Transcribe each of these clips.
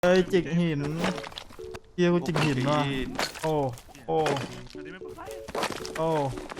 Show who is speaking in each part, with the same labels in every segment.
Speaker 1: เอ้ยจิกหินเฮียกูจิกหินว่ะโอ้โอ้โอ้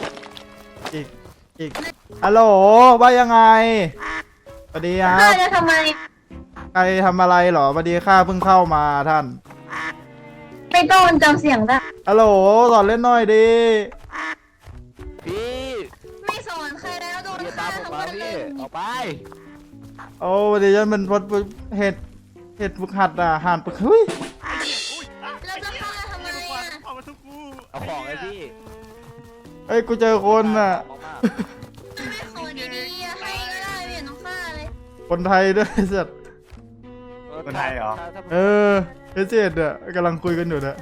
Speaker 1: จิกฮัลโหลว่ายังไงสวัสดีครับ
Speaker 2: ข้าจะทำไม
Speaker 1: ใครทำอะไรเหรอสวัสดีข้าเพิ่งเข้ามาท่าน
Speaker 2: ไม่ต้องจำเสียงได้
Speaker 1: ฮัลโหลสอนเล่นหน่อยดิ
Speaker 3: พี่
Speaker 2: ไม่สอนใครแล้วโดน
Speaker 3: อย่า
Speaker 2: ฆ่า
Speaker 3: ตามผม
Speaker 2: ทั้ง
Speaker 3: มา
Speaker 2: วันเล
Speaker 3: พี่
Speaker 2: ย
Speaker 3: ออกไป
Speaker 1: โอ้สวัสดีฉันเป็นพดเห็ดฝึกหัดอ่ะหันปึกเฮ้ย
Speaker 2: เราจะฆ่าทำไมอ่ะ
Speaker 4: เอามาทุกกู
Speaker 3: เอาของไอ้พี่
Speaker 1: เอ้ยกูเจอคนอ่ะ
Speaker 2: ไม่ขอดีๆอะให้ก็ได้ไม่เห็นต้องฆ่าเลย
Speaker 1: คนไทยด้วยสัตว์
Speaker 4: คนไทยเหรอ
Speaker 1: เออเอเจดอ่ะกำลังคุยกันอยู่เนี่ย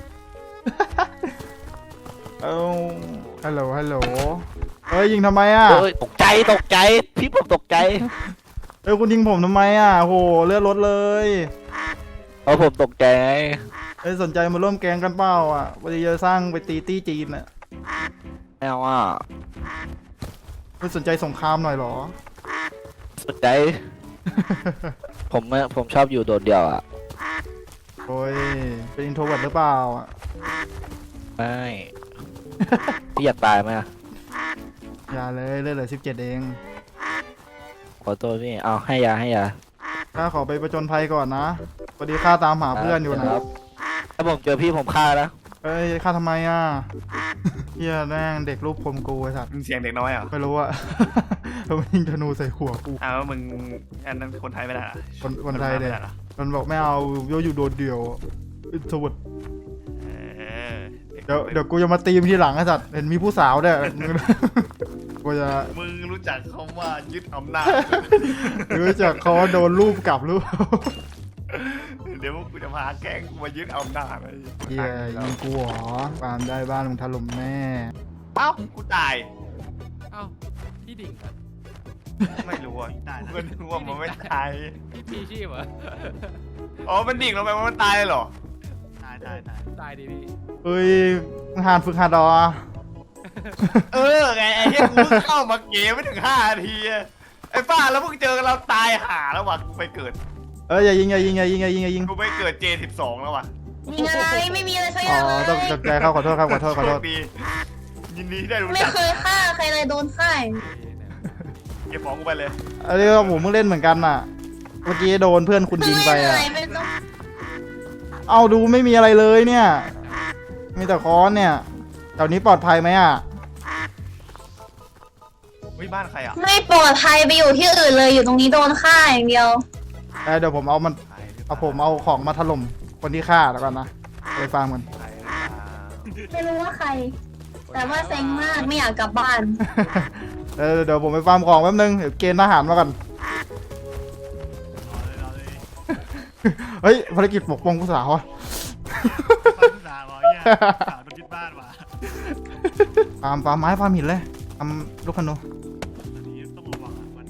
Speaker 1: เอาฮัลโหลเอ้ยยิงทำไมอ่ะ
Speaker 3: เอ้ยตกใจพี่ผมตกใจ
Speaker 1: เอ้ยคุณยิงผมทำไมอ่ะโหเลือดรถเลย
Speaker 3: เอาผมตกใจไง
Speaker 1: เอ้ยสนใจมาร่วมแก๊งกันเปล่าอ่ะวันนี้จะสร้างไปตีตี้จีนอ่ะ
Speaker 3: ไม่เอาอ่ะ
Speaker 1: ไม่สนใจสงครามหน่อยเหรอ
Speaker 3: สนใจ ผมชอบอยู่โดดเดี่ยวอ่ะ
Speaker 1: โอ้ยเป็นอินโทรเวิร์ตหรือเปล่าอ่ะ
Speaker 3: ไม่พี่อยากตายไหมอะ
Speaker 1: อย่าเลยเลือดเหลือ17เอง
Speaker 3: ขอโทษพี่เอาให้ยา
Speaker 1: ข้าขอไปประจนภัยก่อนนะพอดีข้าตามหาเพื่อนอยู่นะครับ
Speaker 3: ถ้าผมเจอพี่ผมฆ่าแล้ว
Speaker 1: เอ้ยข้าทำไมอ่ะเฮียแม่งเด็กรูปคมกูไอ้สัตว์
Speaker 4: มึงเสียงเด็กน้อยเหรอ
Speaker 1: ไม่รู้อ่ะ แล้วมันยิงธนูใส่หัวกู
Speaker 4: อ้าวมึงอันนั้นคนไทยไม่ได้เหรอ
Speaker 1: คนไทยเนี่ย
Speaker 4: ไม่ได้หรอ
Speaker 1: มันบอกไม่เอาโยอยู่โดดเดี่ยวอินโทรเวิร์ต
Speaker 4: เออ
Speaker 1: เดี๋ยวกูจะมาตีมทีหลังไอ้สัตว์เห็นมีผู้สาวด้วย กูจะ
Speaker 4: มึงรู้จักคำว่ายึดอำนาจ
Speaker 1: รู้จักเขาว่าโดนรูปกลับหรือเปล่า
Speaker 4: เดี๋ยวพวกกูจะพาแก๊งกูมายึดอำนาจไอ้
Speaker 1: เฮียยิงกูเหรอปามได้บ้านมึงถล่มแน่
Speaker 4: เอ้ากูตาย
Speaker 5: เอ้าพี่ดิ่งเหรอ
Speaker 4: ไม่รู้อ่ะกูก็นึกว่ามันไม่ตาย
Speaker 5: พี่ชีพเหรอ
Speaker 4: อ๋อมันดิ่งลงไปมันตายเลยเหรอตาย
Speaker 5: ตายดิพี่
Speaker 1: เอ้ยมึงหานฝึกหัดเหรอ
Speaker 4: เออไงไอ้เหี้ยกูเพิ่งเข้ามาเกมไม่ถึง5 นาทีอะไอ้ป้าแล้วพวกเจอกันเราตายห่าแล้วว่ะกูไปเกิด
Speaker 1: เอ้ยอย่ายิง
Speaker 4: กูไปเกิด J12 แล้วว่ะ
Speaker 2: นี่ไงไม่มีอะไรสักอ
Speaker 1: อ๋อย่าง
Speaker 2: เล
Speaker 1: ต้อง
Speaker 2: ย
Speaker 1: ตกใจครับขอโทษครับขอโทษ
Speaker 4: โชคดียินดีที่ได้รู้
Speaker 2: ไม่
Speaker 4: จัก
Speaker 2: เคยฆ่าใครเลยโดนฆ่า
Speaker 4: เก็บของกูไปเลย
Speaker 1: อันนี้ก็ผมเพิ่งเล่นเหมือนกันน่ะ เมื่อกี้โดนเพื่อนคุณยิงไปอ่ะ
Speaker 2: ไม่ต้อง
Speaker 1: เอาดูไม่มีอะไรเลยเนี่ย มีแต่ค้อนเนี่ยแถวนี้ปลอดภัยไหมอ่ะ
Speaker 4: เฮ้ยบ้านใครอ่ะ
Speaker 2: ไม่ปลอดภัยไปอยู่ที่อื่นเลยอยู่ตรงนี้โดนฆ่าอย่างเดียว
Speaker 1: เดี๋ยวผมเอาของมาถล่มคนที่ฆ่าแล้วกันนะไปฟังมัน
Speaker 2: ไม่รู้ว่าใคร แต่ว่าเซ็งมากไม่อยากกลับบ้าน
Speaker 1: เดี๋ยวผมไปฟาร์มของแป๊บนึงเดี๋ยวเกณฑ์ทหารมาก่อน เฮ้ยภารกิจปกป้องผู้สาวอะ
Speaker 4: สาวเนี่ยสาวโดนยึดบ้านว่ะ
Speaker 1: ฟาร์มไม้ฟาร์มหินเลยทำลูกขนุน
Speaker 4: อันนี้ต้องระวังมัน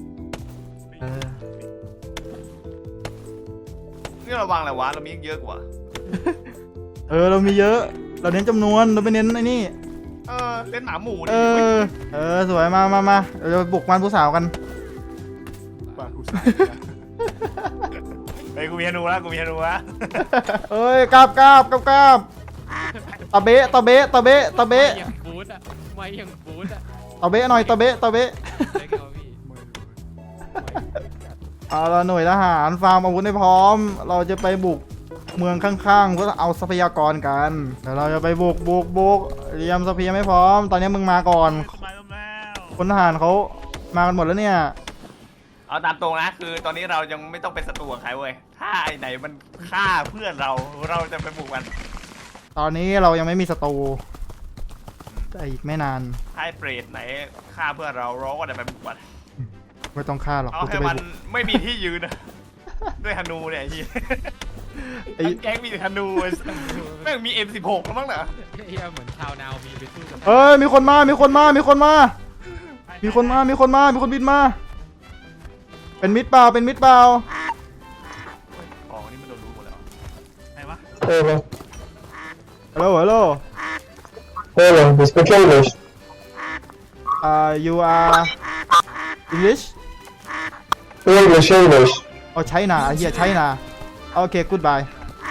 Speaker 4: นี่ระวังอะไรวะเรามีเยอะกว่า
Speaker 1: เรามีเยอะ เราเน้นจำนวนเราไม่เน้นไอ้นี่
Speaker 4: เล่นหมาหมู
Speaker 1: เออสวยมาเราจะบุกบ้านผู้สาวกัน
Speaker 4: บ้านกูสาวไอ้กูมีธนูแล้วกูมีธนูแล้ว
Speaker 1: เอ้ยกราบตะเบะ
Speaker 5: ไม่ยังบูทอ่ะไม่ยังบูทอ่ะ
Speaker 1: ตะเบะหน่อยตะเบะ
Speaker 5: ได้ไงวะพี่
Speaker 1: เอาละหน่วยทหารฟาร์มอาวุธให้พร้อม เราจะไปบุกเมืองข้างๆเพื่อเอาทรัพยากรกันเดี๋ยวเราจะไปบุกเตรียมทรัพยากรให้พร้อม ตอนนี้มึงมาก่อนคนทหารเขามากันหมดแล้วเนี่ย
Speaker 4: เอาตามตรงนะคือตอนนี้เรายังไม่ต้องเป็นศัตรูกับใครเว้ยถ้าไอ้ไหนมันฆ่าเพื่อนเราจะไปบุกมัน
Speaker 1: ตอนนี้เรายังไม่มีศัตรูแต่อีกไม่นาน
Speaker 4: ถ้าไอ้เปรตไหนฆ่าเพื่อนเราก็จะไปบุกมัน
Speaker 1: ไม่ต้องฆ่าหรอก
Speaker 4: เอา
Speaker 1: กู
Speaker 4: ให้
Speaker 1: จะไป
Speaker 4: มัน
Speaker 1: บุก
Speaker 4: ไม่มีที่ยืนนะด้วยธนูเนี่ยไอ้เหี้ย
Speaker 1: ไอ้
Speaker 4: ทั้งแก๊งมีแต่ธนูไอ้สัสแม่งมี M16 แล้วมั้งเหรอ
Speaker 5: เฮียเหมือนชาวนาวมีไปสู้กับ
Speaker 1: เอ้ยมีคนมามีคนบินมา เป็นมิดเปล่า
Speaker 4: ของนี่มันโดนรู้หมดแล้วใครวะ
Speaker 1: ฮัลโหล
Speaker 6: Hello, we speak English.
Speaker 1: you are English
Speaker 6: English.
Speaker 1: อ๋อใช่นาเฮียใช่นาโอเคกูดบาย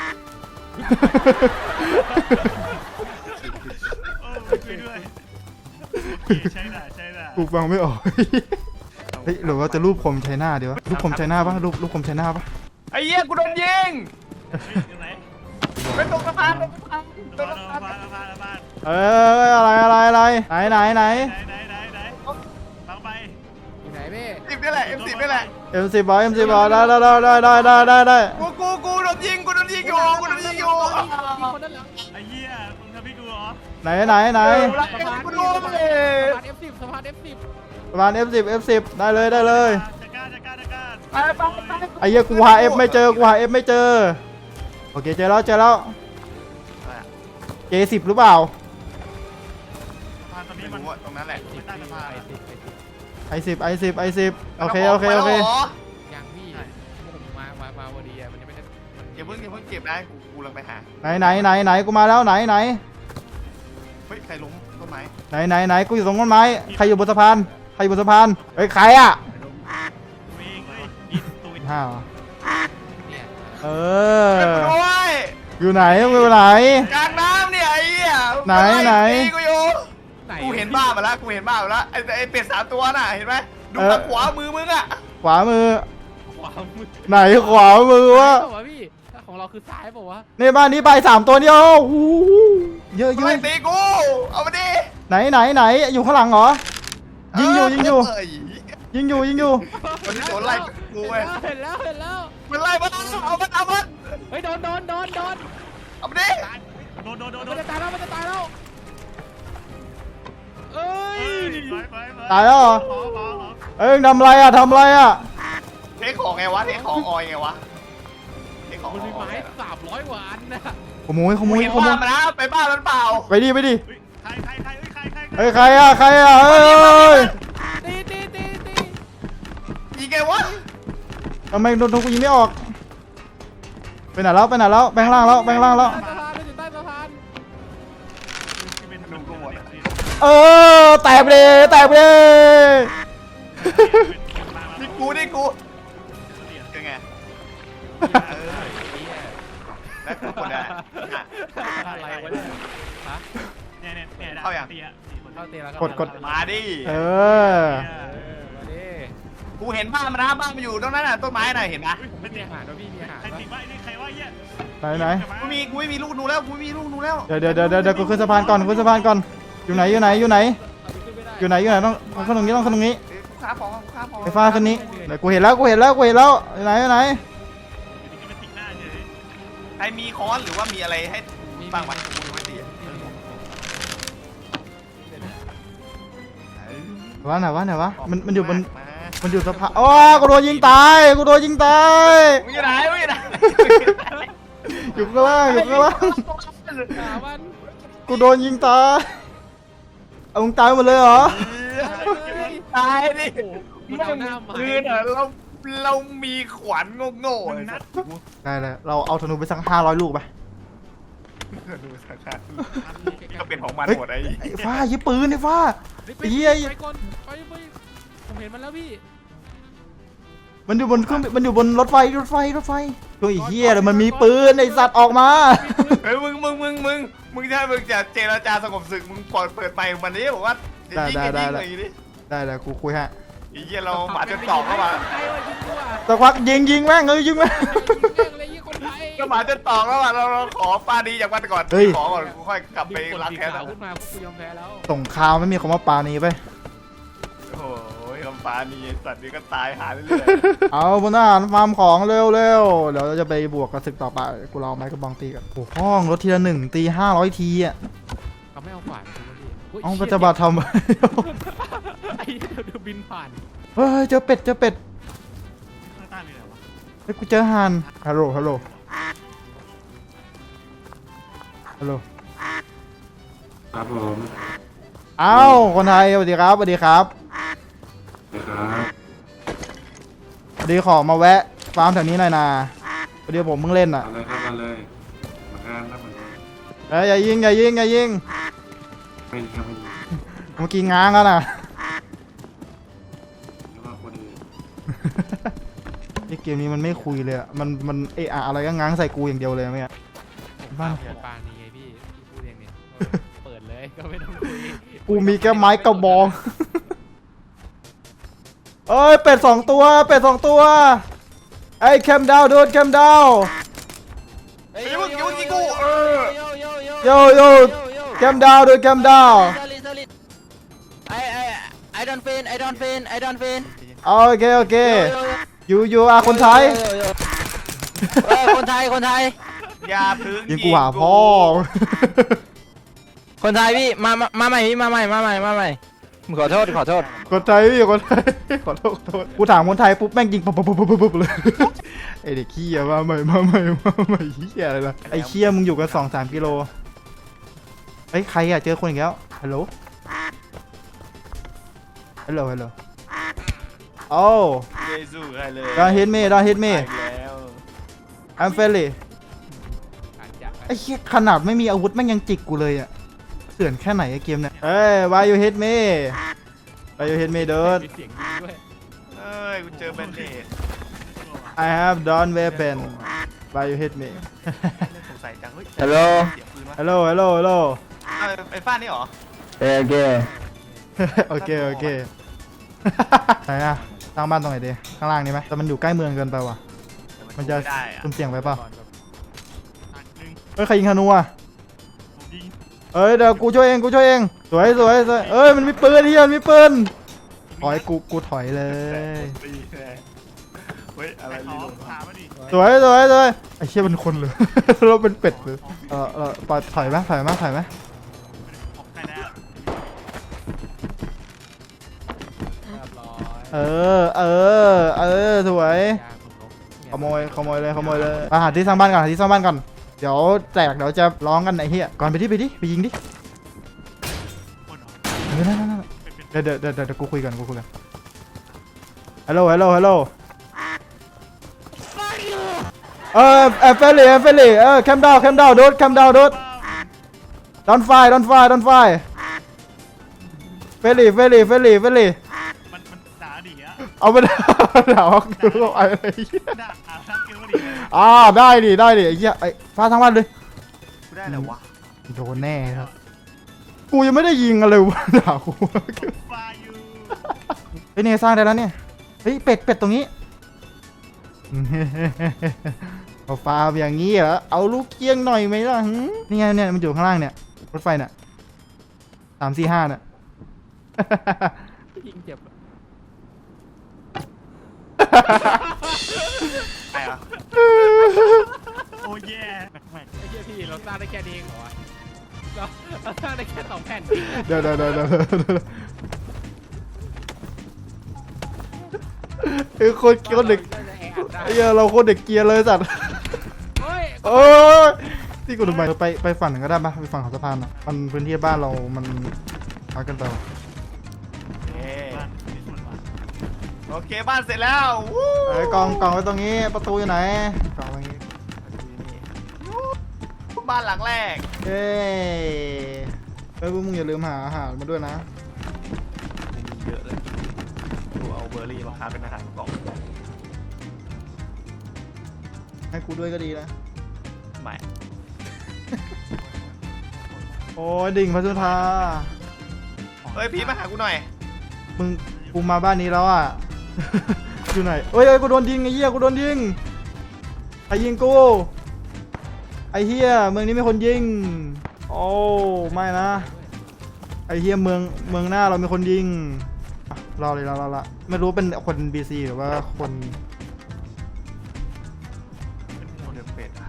Speaker 4: โอ้ช่วยด้วยใช่น่ะใช่น่ะ
Speaker 1: กูฟังไม่ออก เฮ้ยหรือว่าจะรูปคมใช้หน้าดีวะรูปคมใช้หน้าปะรูปคมใช้หน้าปะ
Speaker 4: ไอ้เหี้ยกูโดนยิง
Speaker 5: อยู่ไหน
Speaker 4: ไปตรงสะพานตรงสะพาน
Speaker 5: บ้าน
Speaker 1: อะไรไหน
Speaker 5: ไหนฟังไป
Speaker 3: อยู่ไหนพี่
Speaker 4: 10นี่แหละ M10 นี่แหละ
Speaker 1: M10 บอ M10 บอได้
Speaker 4: กูโดนยิงอยู่กูโดนยิงอยู่
Speaker 3: มีคนด้านหลัง
Speaker 5: ไอ้เหี้ยมึงทำพี่กูเหรอ
Speaker 1: ไหน
Speaker 4: กูโดนเลย
Speaker 3: สะพาน F10
Speaker 1: ประมาณ F10 ได้เลย
Speaker 5: จะกล้า
Speaker 4: ไป
Speaker 1: ไอ้เหี้ยกูหา F ไม่เจอโอเคเจอแล้วJ10 หรือเปล่า
Speaker 5: สะพานตอนนี้
Speaker 4: ไม่
Speaker 5: มัน
Speaker 4: รู้ตรงนั้นแหละ
Speaker 5: ใต้สะพาน
Speaker 1: I10 โอเค
Speaker 3: ยังพี่ผมมาพอดีมันยังไม่ได้
Speaker 4: อย่าเพิ่งเก็บนะกูลังไปหา
Speaker 1: ไหนกูมาแล้วไหน
Speaker 4: เฮ้ยใครล้มต้นไม้
Speaker 1: ไหนกูอยู่ตรงต้นไม้ใครอยู่บนสะพานเฮ้ยใครอ่ะ
Speaker 5: ตัวเองเลยยิงตัวเอง
Speaker 1: ห้าว
Speaker 3: เนี่ย
Speaker 1: เออ
Speaker 4: ช่วยกูด้วย
Speaker 1: อยู่ไหนมึงอยู่ไหน
Speaker 4: กลางน้ำเนี่ยไอ้เหี้ย
Speaker 1: ไหน
Speaker 4: กูอยู่
Speaker 3: ไหน
Speaker 4: กูเห็นบ้ามาแล้วไอ้เป็ด3 ตัวน่ะเห็นไหมดูทางขวามือมึงอ่ะ
Speaker 1: ขวามือ
Speaker 3: ขวามือ
Speaker 1: ไหนขวามือวะ
Speaker 3: วะพี่ของเราคือซ้ายเปล่าวะ
Speaker 1: ในบ้านนี้ไป3 ตัวเดียวโอ้โหเยอะ
Speaker 4: ไม่ตีกูเอามาดิ
Speaker 1: ไหนอยู่ข้างหลังเหรอยิงอยู่
Speaker 4: เ
Speaker 1: วัน
Speaker 4: นี้โดนไล่กูเว้ย
Speaker 3: เห็นแล้ว
Speaker 4: มันไล่มันเอามัน
Speaker 3: เฮ้ยโดน
Speaker 4: เอามาดิ
Speaker 5: โดน
Speaker 3: มันจะตายแล้วเอ้ย
Speaker 1: ตายแล้วเหรอ
Speaker 5: ขอ
Speaker 1: เอ้ยทำอะไรอ่ะ
Speaker 4: เทคของไงวะเทคของออยไงวะเทคของ
Speaker 3: มันมี
Speaker 4: ออ
Speaker 3: ไม้
Speaker 4: ย
Speaker 3: 300 กว่าอันนะ
Speaker 1: ขโมย
Speaker 4: มึงเห็นบ้านมันนะไปบ้านมันเปล่า
Speaker 1: ไปดิ
Speaker 5: ใคร
Speaker 1: เฮ้ยใครอ่ะเฮ้ย
Speaker 3: ตี
Speaker 4: ยิงไงวะ
Speaker 1: ทำไมโดนทุกยิงไม่ออกไปไหนแล้วแบงค์ล่างแล้ว
Speaker 3: ใต้สะพานไม่ถึงใต้สะพาน
Speaker 1: เออแตกไปเลย
Speaker 4: นี่กูเป็นไงแล้วกูคนละ
Speaker 3: อะไรวะเนี่ยฮะ
Speaker 5: เข้าอย่าง
Speaker 3: เข้าเตะแล้ว
Speaker 1: กด
Speaker 4: มาดิ
Speaker 1: เออ
Speaker 3: มาดิ
Speaker 4: กูเห็นบ้านมันนะบ้านมันอยู่ตรงนั้นน่ะต้นไม้น่ะเห็นนะ
Speaker 3: ไม่มีอาหารด้วยพี่มีอาหาร
Speaker 5: ใครติดว่าไอ้นี่ใครว่าเหี้ย
Speaker 1: ไหน
Speaker 4: กูไม่มีลูกหนูแล้วกูไม่มีลูกหนูแล้ว
Speaker 1: เดี๋ยวกูขึ้นสะพานก่อนอยู่ไหนต้องขึ้นตรงนี้
Speaker 4: กูค้าของ
Speaker 1: ไฟฟ้าขึ้นนี้เดี๋ยวกูเห็นแล้วไหน
Speaker 5: จะมาติดหน้าเฉย
Speaker 4: ใครมีค้อนหรือว่ามีอะไรให้บ้างวะกูยังไม่ตี
Speaker 1: ว่าไหนวะมันอยู่บน
Speaker 4: มา
Speaker 1: มันอยู่สะพานโอ้กูโดนยิงตาย
Speaker 4: มึงอยู่ไหน
Speaker 1: อยู่ข้างล่าง
Speaker 3: หามัน
Speaker 1: กูโดนยิงตายเอามึงตายหมดเลยเหรอ
Speaker 4: ตายดิ
Speaker 3: มันเอาหน้าไม้
Speaker 4: คือเนอะเรามีขวานโง่ๆเลยนะ
Speaker 1: ได้เลยเราเอาธนูไปสัก500 ลูกไป
Speaker 4: ดูสักการก็เป็นของมันหมดไอ้
Speaker 1: ไอ้ฟ้ายิงปืนไอ้ฟ้า ไอ้เหี้ย
Speaker 3: ไปก่อนไปผมเห็นมันแล้วพี่
Speaker 1: มันอยู่บนเครื่องมันอยู่บนรถไฟตัวไอ้เหี้ยเลยมันมีปืนไอ้สัตว์ออกมา
Speaker 4: เฮ้ยมึงจะเจรจาสงบศึกมึงเปิดไมค์มันนี้บอกว่ายิงเลยดิ
Speaker 1: ได้เลยกูคุยฮะ
Speaker 4: ไอ้เหี้ยเราหมาจนตอกเข้ามา
Speaker 3: ใครวะยิงกูอ่ะ
Speaker 1: สักพักยิงแม่งยิงแม่ง
Speaker 3: เลยยิงคนไทย
Speaker 4: ก็หมาจนตอกแล้วอ่ะเราขอปาดีจากวันก่อนขอก่อนกูค่อยกลับไปล้างแค้น
Speaker 3: ขึ้นมาพวกกูยอมแพ้แล้ว
Speaker 1: สงครามไม่มีคำว่าปาณีไป
Speaker 4: โอ้ยคำปาดีสัตว์นี้ก็ตายหาเรื่อย
Speaker 1: เอาบนทหารฟาร์มของเร็วเดี๋ยวเราจะไปบวกกับศึกต่อไปกูรอไม้กระบองตีกันโอ้ห้องรถทีละ1ตี500 ทีอ่ะ
Speaker 3: เขาไม่เอาขวานกูพี่
Speaker 1: เอาปฏิบัติทำ
Speaker 3: ไอ้เดี๋ยวบินผ่าน
Speaker 1: เฮ้ยเจอเป็ด
Speaker 5: ข้างใต้มีอะไรวะ
Speaker 1: เฮ้ยกูเจอห่านฮัลโหล
Speaker 6: ครับผม
Speaker 1: เอ้าคนไทยสวัสดีครับ
Speaker 6: นะครับ
Speaker 1: พอดีขอมาแวะฟาร์มแถวนี้หน่อยนะพอดีผมเพิ่งเล่นอ่ะ
Speaker 6: เอาเลยครับมาเลยมางานครับมัน
Speaker 1: เฮ้ยอย่ายิง
Speaker 6: ไม่ครับไม่ยิง
Speaker 1: เมื่อกี้ง้างแล้วนะ
Speaker 6: หรือว่าคนอื่น
Speaker 1: พี่เกกมนี้มันไม่คุยเลยอะมันเอะอะอะไรก็ง้างใส่กูอย่างเดียวเลยไม่อะบ้า
Speaker 5: ปานนี่ไงพี่พูดเองเนี่ยเปิดเลยก็ไม่ต้องคุย
Speaker 1: กูมีแค่ไม้กระบองเอ้ยเป็ด2 ตัวเป็ด2 ตัวไอ้แคมดาวโดนแคมดาว
Speaker 4: ไอ้มึงยิงกู
Speaker 1: โยโย่แคมดาวโดนแคมดาว
Speaker 3: I don't faint I don't faint I don't faint
Speaker 1: โอเคยูอาคนไทย
Speaker 3: คนไทย
Speaker 4: อย่าพึ่ง
Speaker 1: ยิงกูหาพ่อ
Speaker 3: คนไทยพี่มาใหม่พี่มาใหม่ขอโทษ
Speaker 1: คนไทยพี่คนไทยขอโทษกูถามคนไทยปุ๊บแม่งยิงปุ๊บเลยไอเด็กขี้อะมาใหม่เหี้ยอะไรล่ะไอเขี้ยมึงอยู่กัน2-3 กิโลเฮ้ยใครอะเจอคนอีกแล้วฮัลโหลโอ้
Speaker 4: เยซูใครเลย
Speaker 1: don't hit me
Speaker 4: ไปแล้ว
Speaker 1: I'm friendly
Speaker 5: อาจจะ
Speaker 1: ไอ้เหี้ยขนาดไม่มีอาวุธแม่งยังจิกกูเลยอะเถื่อนแค่ไหนไอ้เกมเนี่ยเฮ้ย why you hit me dude
Speaker 5: มีเสียงยิงด้วย
Speaker 4: เอ้ยกูเจอแบนเดด
Speaker 1: I have done weapon why you hit me
Speaker 4: สงสัยจังเฮ้ย
Speaker 3: ฮัลโหล
Speaker 4: เสียงปืนวะ
Speaker 1: hello
Speaker 4: ไอ้ฟ้านี่เหรอ
Speaker 1: โอเคไหนอะสร้างบ้านตรงไหนดีข้างล่างนี่ไหมแต่มันอยู่ใกล้เมืองเกินไปว่ะมันจะ
Speaker 4: ได้อะ
Speaker 1: สุ่มเสี่ยงไปเปล่า
Speaker 5: หนึ่ง
Speaker 1: เฮ้ยใครยิงธนูอะ
Speaker 5: ผมยิง
Speaker 1: เอ้ยเดี๋ยวกูช่วยเองสวยเอ้ยมันมีปืนเฮียมันมีปืนถอยกูถอยเลย
Speaker 4: ตีเลยเฮ้ยอะไร
Speaker 5: ข
Speaker 4: ลี
Speaker 5: อ
Speaker 4: ลง
Speaker 5: ถามมาดิ
Speaker 1: สวยไอ้เชี่ยเป็นคนเลย เราเป็นเป็ดเลยปล่อยถอยไหม
Speaker 5: ของใครแล้ว
Speaker 1: เ
Speaker 5: เรียบร้อย
Speaker 1: สวย
Speaker 5: ยาคุณนก
Speaker 1: ขโมยเลยหาที่สร้างบ้านก่อนเดี๋ยวแตกเดี๋ยวจะร้องกันไอ้เหี้ยก่อนไปยิงดินั่นเดี๋ยวกูคุยกันฮัลโหลเฟลลี่แคมดาวโดดdon't fight เฟลลี่
Speaker 5: มันด่าดิอะ
Speaker 1: เอาไปด่าว่ากูอะไรเหี้ย
Speaker 5: ด่าทักเกลว่าดิ
Speaker 1: ได้ดิไอ้เหี้ยไอ้ฟ้าทั้งวันเลย
Speaker 4: กูได้แล้ววะ
Speaker 1: โดนแน่ครับ กูยังไม่ได้ยิงอะไรวะด่ากู
Speaker 5: ฟายู
Speaker 1: เฮ้ยเนี่ยสร้างได้แล้วเนี่ย เฮ้ยเป็ดตรงนี้ เอาฟาร์มอย่างนี้เหรอ เอาลูกเกี้ยงหน่อยไหมล่ะหึนี่ไงเนี่ยมันอยู่ข้างล่างเนี่ย รถไฟเนี่ย3-4-5เนี่ย
Speaker 5: ยิงเจ็บ
Speaker 4: ใครอ่ะ
Speaker 5: โอ้แย่แม่งไอ้เหี้ยพี่เราสร้างได้แค่นี้เองเหรอวะเราสร้างได้แค่2 แผ่น
Speaker 1: เดี๋ยวเฮ้ยโคตรเด็กไอ้เหี้ยเราโคตรเด็กเกียร์เลยสัตว์
Speaker 5: เฮ้ย
Speaker 1: โอ้ยที่กูทำไมไปฝั่งหนึ่งก็ได้ปะไปฝั่งของสะพานอ่ะมันพื้นที่บ้านเรามันพักกันไปว่ะ
Speaker 4: โอเคบ้านเสร็จแล้ววู้
Speaker 1: ไอ้กองไว้ตรงนี้ประตูอยู่ไหนกองไว้ตรงนี้
Speaker 4: บ้านหลังแรก
Speaker 1: เฮ้ยพวกมึงอย่าลืมหาอาหารมาด้วยนะ
Speaker 4: มีเยอะเลยกูเอาเบอร์รี่มาค้าเป็นอาหารกล่อง
Speaker 1: ให้กูด้วยก็ดีนะ
Speaker 4: ใหม่
Speaker 1: โอ้ยดิ่งพัทุธา
Speaker 4: เฮ้ยพีทมาหากูหน่อย
Speaker 1: กูมาบ้านนี้แล้วอ่ะ อยู่ไหนเอ้ยกูโดนยิงไอ้เหี้ยกูโดนยิงใครยิงกูไอ้เหี้ยเมืองนี้มีคนยิงโอ้ไม่นะไอ้เหี้ยเมืองหน้าเรามีคนยิงอ่ะรอเลยรอไม่รู้เป็นคน BC หรือว่าคน
Speaker 4: โมเดลเป็ดอะ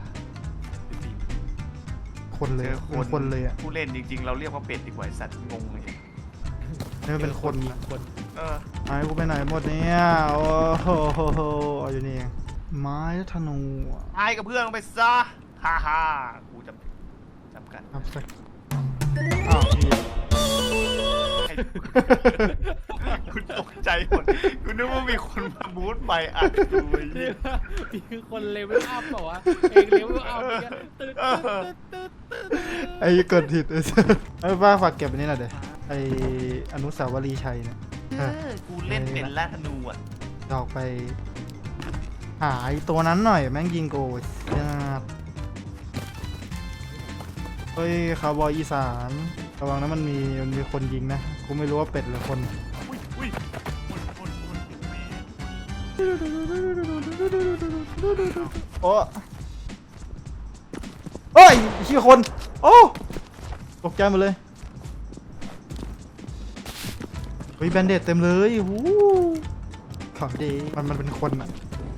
Speaker 1: คนเลย
Speaker 4: เจอ
Speaker 1: เป็นคนเลยอ่ะ
Speaker 4: ผู้เล่นจริงๆ เราเรียกว่าเป็ดดีกว่าไอ้สัตว์งงเลย
Speaker 1: นี่มันเป็นคน
Speaker 4: เออ
Speaker 1: ไม้กูไปไหนหมดเนี่ยโอ้โหเอาอยู่นี่เองไม้ธนูอะ
Speaker 4: ตายกับเพื่อนลงไปซะฮ่าฮ่ากูจำกัน
Speaker 1: ครับสักอ้าวพี่
Speaker 4: ให้กูตกใจหมดกูนึกว่ามีคนมาบูทไปอัดกูไอ้เหี้ย
Speaker 5: มีคนเลเวลอัพเปล่าวะเองเลเวลอัพเนี่ยตึ๊ด
Speaker 1: ไอ้เกิดผิดไอ้ป้าฝากเก็บอันนี้หน่อยเดี๋ยวไอ้อนุสาวรีย์ชัยเนี่ย
Speaker 4: กูเล่นเป็นล่าธนูอ่ะ
Speaker 1: ดอกไปหาไอ้ตัวนั้นหน่อยแม่งยิงกูยากเฮ้ยคาวบอยอีสานระวังนะมันมีคนยิงนะกูไม่รู้ว่าเป็ดหรือคน
Speaker 5: อุ้ยอุ้ยคนแม่
Speaker 1: โอ้เฮ้ยขี้คน โอ้ตกใจหมดเลยเฮ้ยแบนเดตเต็มเลยวู้ของดีมันเป็นคนอะ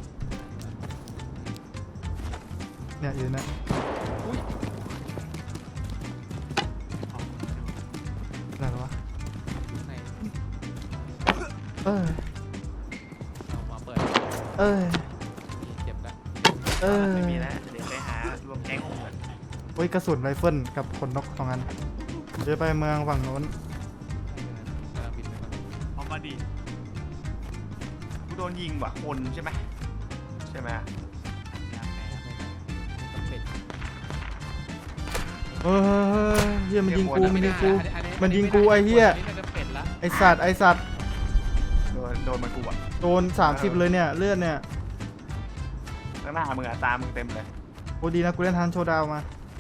Speaker 1: เนี่ยอยู่นะอะไรวะ
Speaker 5: ไหน
Speaker 1: เอ้ย
Speaker 5: เอามาเปิด
Speaker 1: เอ้ย
Speaker 5: เจ็บแล้ว
Speaker 1: เอ้ย
Speaker 4: ไม่มีแล้วเดี๋ยวไปหารวมแก๊งของมัน
Speaker 1: เฮ้ยกระสุนไรเฟิลกับขนนกสองอันเดี๋ยวไปเมืองฝั่งโน้น
Speaker 5: กำลังบินไปก่อน
Speaker 4: เอามาดิกูโดนยิงว่ะคนใช่ไหมใช่ไหม
Speaker 5: ยางแพ้ต้องเป็ด
Speaker 1: เฮ้ยเฮียมันยิงกูมันยิงกู
Speaker 5: อั
Speaker 1: มันยิงกูไอ้เหี้ย
Speaker 5: นี่น่าจะเป็ดละ
Speaker 1: ไอสัตว์ไอสัตว์
Speaker 4: โดนมันกูอ่ะ
Speaker 1: โดน30เลยเนี่ยเลือดเนี่ย
Speaker 4: ข้างหน้ามึงอ่ะตามึงเต็มเลย
Speaker 1: โอ้ดีนะกูเล่นทันโชว์ดาวมา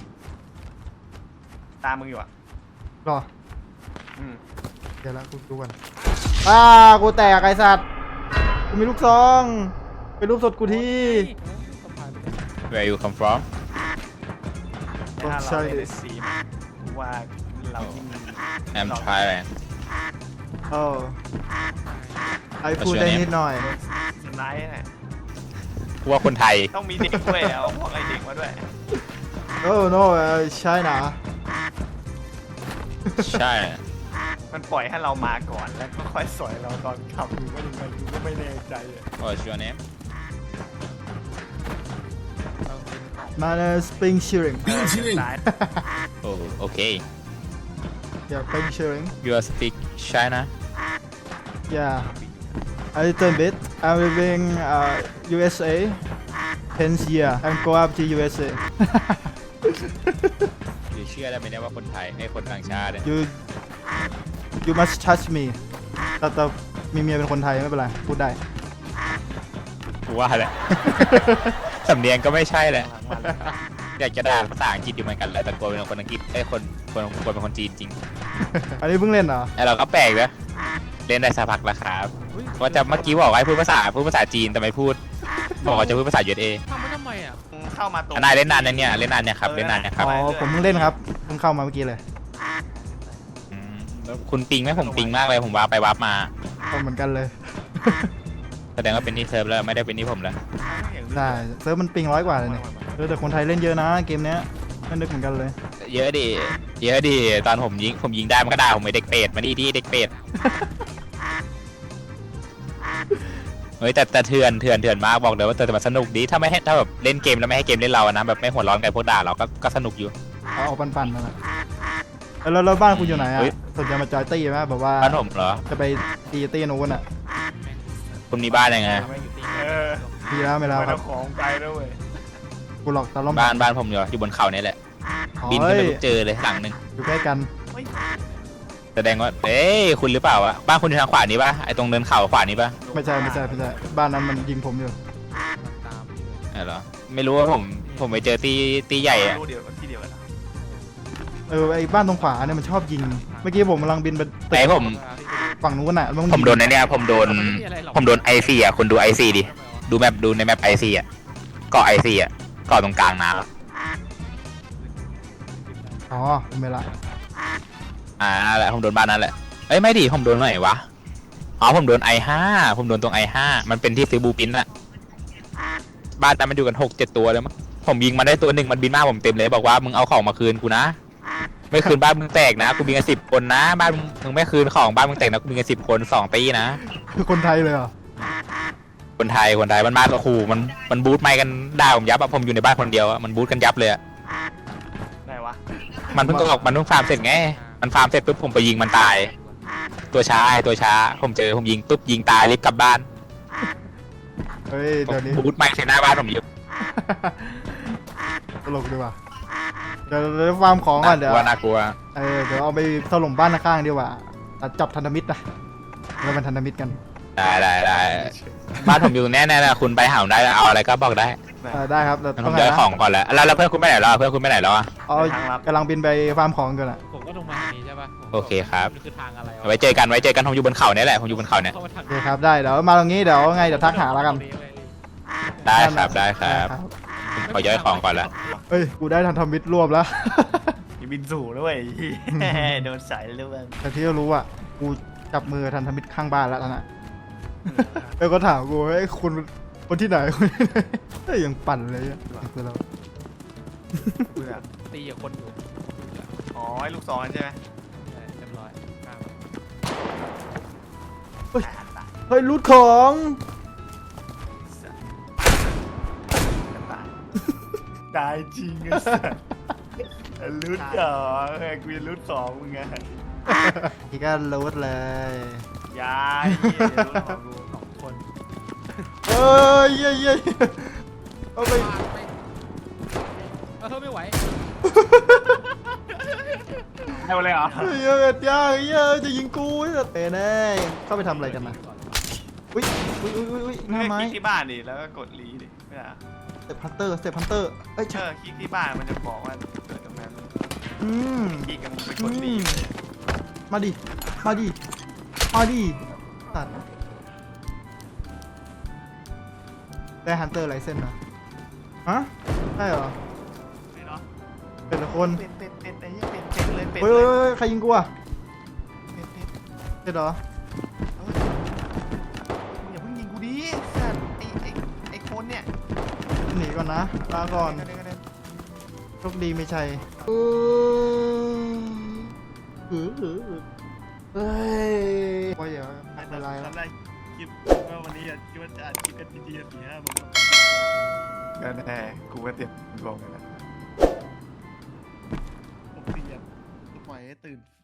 Speaker 4: ตามึงอยู่อ่ะ
Speaker 1: รอ
Speaker 4: อืม
Speaker 1: เดี๋ยวละกูดูก่อนกูแตกไอสัตว์กูมีลูกซองไปรูปสดกูที่
Speaker 3: Where you come from
Speaker 4: ถ้าเราเล่นในซีมว่าเรายิ่ง
Speaker 3: I'm Thailand
Speaker 1: โอ้ไอพูดได้นิดหน่อย
Speaker 4: สไนท์เนี่ย
Speaker 3: กูว่าคนไทย
Speaker 4: ต้องมีเด็กด้วยเอาพวกไอเด็กมาด้วย
Speaker 1: โอ้โน้ใช่นะ
Speaker 3: ใช่
Speaker 4: มันปล่อยให้เรามาก่อนแล้วก็ค่อยสอยเราตอนขับหรือว่ายังไงกูก็ไม่แน่ใจอะ
Speaker 3: What's your name
Speaker 1: มาในสปริงชิริง
Speaker 4: ซ้าย
Speaker 3: Oh okay
Speaker 1: อย่าสปริงชิริง
Speaker 3: you speak China
Speaker 1: Yeah, a little bit. I'm living USA. 10 year. I'm go up to USA.
Speaker 3: อยู่เชื่อได้ไหมเนี่ยว่าคนไทยไอ้คนต่างชาติเนี่ย
Speaker 1: You must trust me. แต่มีเมียเป็นคนไทยไม่เป็นไรพูดได้
Speaker 3: กูว่าแหละ สำเนียงก็ไม่ใช่แหละ
Speaker 4: หลังมัน
Speaker 3: อยากจะด่าภาษาอังกฤษอยู่เหมือนกันแหละแต่กลัวเป็นคนอังกฤษไอ้ยคนเป็นคนจีนจริง
Speaker 1: อันนี้เพิ่งเล่นเหรอ
Speaker 3: ไอ้เราก็แปลกนะเล่นได้สักพักแล้วครับว่าจะเมื่อกี้บอกว่าให้พูดภาษาจีนแต่ไม่พูดบอกว่าจะพูดภาษา USA
Speaker 5: ทำไม่ทำไมอ่ะ
Speaker 4: เข้ามาตรง
Speaker 3: นายเล่นนานยังเนี่ยเล่นนานเนี่ยครับเล่นนานเนี่ยครับ
Speaker 1: อ๋อผมเพิ่งเล่นครับเพิ่งเข้ามาเมื่อกี้เลย
Speaker 3: แล้วคุณปิงไหมผมปิงมากเลยผมว้าไปว้ามา
Speaker 1: ก็เหมือนกันเลย
Speaker 3: แสดงว่าเป็นที่เซิร์ฟแล้วไม่ได้เป็นที่ผมแล้ว
Speaker 1: ใช่เซิร์ฟมันปิง100 กว่าเลยเนี่ยแต่คนไทยเล่นเยอะนะเกมเนี้ยไม่นึกเหมือนกันเลย
Speaker 3: เยอะดิตอนผมยิงได้มันก็ด่าผมไอ้เด็กเป็ดมาที่เด็กเป็ด เฮ้ยแต่เถื่อนมากบอกเลยว่าแต่มันสนุกดีถ้าแบบเล่นเกมแล้วไม่ให้เกมเล่นเราอะนะแบบไม่หัวร้อนกับพวกด่าเราก็สนุกอยู่
Speaker 1: เอาปั่นๆนั่นแหละแล้วบ้านคุณอยู่ไหนอ่ะ
Speaker 3: เฮ้ย
Speaker 1: สนใจมาจอยตี้ไหมแบบว่า
Speaker 3: บ้านผมเหรอ
Speaker 1: จะไปตีตี้นู้นอ่ะ
Speaker 3: คุณมีบ้านยังไง
Speaker 4: เออ
Speaker 1: มีแล้วไม่แล้ว
Speaker 4: มัน
Speaker 1: ครั
Speaker 4: เอา
Speaker 1: บ
Speaker 4: ของไปด้วยเว้ย
Speaker 1: กูหลอกตะล่อม
Speaker 3: บ้านผมอยู่บนเขาเนี่ยแหละบินขึ้นไปเจอเลยหลังหนึ่ง
Speaker 1: อยู่ใกล้กัน
Speaker 3: แสดงว่าเอ้ยคุณหรือเปล่าวะบ้านคุณอยู่ทางขวานี้ปะไอ้ตรงเนินเขาขวานี้ปะ
Speaker 1: ไม่ใช่บ้านนั้นมันยิงผมอยู่
Speaker 5: ตามอยู่เลย
Speaker 3: เออเหรอไม่รู้ว่าผมไปเจอตีใหญ่อะ
Speaker 4: รู้เดียวที่เดียวกันเหรอ
Speaker 1: ไอ้บ้านตรงขวาเนี่ยมันชอบยิง เมื่อกี้ผมกำลังบินไป
Speaker 3: แต่ผม
Speaker 1: ฝั่งนู้นอ่ะ
Speaker 3: ผมโดนในเนี้ยผมโดนไอซีอ่ะคุณดูไอซีดิดูในแมปไอซีอ่ะเกาะไอซีอ่ะเกาะตรงกลางน้ำ
Speaker 1: อ๋อไม่ละ
Speaker 3: นั่นแหละผมโดนบ้านนั้นแหละเอ้ยไม่ดิผมโดนไหนวะอ๋อผมโดน I5 ผมโดนตรง I5 มันเป็นที่ซื้อบูปินอะบ้านนั้นมันอยู่กัน6-7 ตัวเลยมั้งผมยิงมันได้ตัวหนึ่งมันบินมาผมเต็มเลยบอกว่ามึงเอาของมาคืนกูนะไม่คืนบ้านมึงแตกนะกูมีกัน10 คนนะบ้านมึงไม่คืนของบ้านมึงแตกนะกูมีกัน10 คน2 ตีนะ
Speaker 1: คือคนไทยเลยเหรอ
Speaker 3: คนไทยมันมาขู่มันบูทไม่กันด่าผมยับอะผมอยู่ในบ้านคนเดียวอะมันบูทกันยับเลยอะ
Speaker 4: ไหนวะ
Speaker 3: มันเพิ่งออกมันเพิ่งฟาร์มเสร็จไงมันฟาร์มเสร็จปุ๊บผมไปยิงมันตายตัวช้าผมยิงปุ๊บยิงตายรีบกลับบ้าน
Speaker 1: เฮ้ยเดี๋ยวนี้
Speaker 3: บูทไม่ใส่หน้าบ้านผมอยู่
Speaker 1: ตลกดีว่ะเดี๋ยวฟาร์มของก่อนเดี๋ยว
Speaker 3: น่ากลัว
Speaker 1: เดี๋ยวเอาไปถล่มบ้านข้างๆดีกว่าตัดจับพันธมิตรนะเราเป็นพันธมิตรกัน
Speaker 3: ได้บ้านผมอยู่แน่ๆนะคุณไปหาผมได้แล้วเอาอะไรก็บอกได้
Speaker 1: ได้ครับแต่
Speaker 3: งั้นผ
Speaker 1: ต้อง
Speaker 3: ม
Speaker 1: ไง
Speaker 3: ย้าย
Speaker 1: นะ
Speaker 3: ของก่อนแล้วแล้วเพื่อนคุณไปไหนแล้วเพื่อนคุณไปไหนแล้วอะ
Speaker 1: อ๋อกำลังบินไปฟาร์มของกันอ่ะ
Speaker 5: ผมก็ลงมาทางนี้ใช่ปะ
Speaker 3: โอเคครับ
Speaker 5: นี่คือทางอะไรวะ
Speaker 3: ไว้เจอกันผมอยู่บนเขาเนี่ยแหละผมอยู่บนเขาเนี่ย
Speaker 5: เข้ามาทาง
Speaker 1: โอเคครับได้เดี๋ยวมาตรงนี้เดี๋ยวไงเดี๋ยวทักหาแล้วกัน
Speaker 3: ได้ครับขอย้ายของก่อนละ
Speaker 1: เฮ้ยกูได้ทันทำมิตรรวบแล้ว
Speaker 4: มีบินสู่ด้วยโดนสายเรื่อง
Speaker 1: แต่ที่รู้อ่ะกูจับมือทันทมิตรข้างบ้านแล้วตอนนั้นแล้วก็ถามกูเฮ้ยคุณคนที่ไหนคนที่ไหนเฮ้ยยังปั่นเลยอ่ะคือเรา
Speaker 5: ตีกับคนอยู่
Speaker 4: อ๋อไอ้ลูกศรใช่ไหม
Speaker 5: เรียบร้อยข้าม
Speaker 1: เฮ้ยรูดของ
Speaker 4: ตายจริงไอ้สัสลุ้นเหรอกูจะลุ้นของมึงไง
Speaker 1: นี่ก็รูดเลย
Speaker 4: ยายลุ้นของกู
Speaker 5: สองคน
Speaker 1: เอ้ยเย้ยเอาไป
Speaker 5: ไม่ไหว
Speaker 4: ให้มาเลยเหรอ
Speaker 1: เฮ้ยเอ็ดย่าเฮ้ยจะยิงกูเต้แน่เข้าไปทำอะไรกันนะอุ้ยหน้าไม้
Speaker 4: คลิกที่บ้านดิแล้วก็กดรีดิไม่ได้
Speaker 1: สเต็ปพันเตอร์เอ้ย
Speaker 4: คลิกที่บ้านมันจะบอกว่าเกิดตรงนั้น
Speaker 1: อืม
Speaker 4: คลิกกันไปกดรี
Speaker 1: มาดิตัดได้ฮันเตอร์ไลเซนนะฮะได้เหรอ
Speaker 4: ไม่เนาะ
Speaker 1: เป็นละคน
Speaker 4: เป็นไอ้ยี่เป็นเลยเป็น
Speaker 1: เฮ้ย
Speaker 4: เลย
Speaker 1: ใครยิงกูอ่ะ
Speaker 4: เป็น
Speaker 1: เป็นเหรอ
Speaker 4: อย่าเพิ่งยิงกูดิสัตว์ไอ้คนเนี่ย
Speaker 1: หนีก่อนนะลาก่อนโชคดีไม่ใช่เฮ้ยว่าอย่าไม่เป็นไรแล้ว
Speaker 7: ทำได้คลิปว่าวันนี้คิดว่าจะอัดคลิปกันทีๆ4-5 โมง
Speaker 4: ก็แน่กูก็เตรียมลงเลยนะ
Speaker 7: ผมเตรียมปล่อยให้ตื่น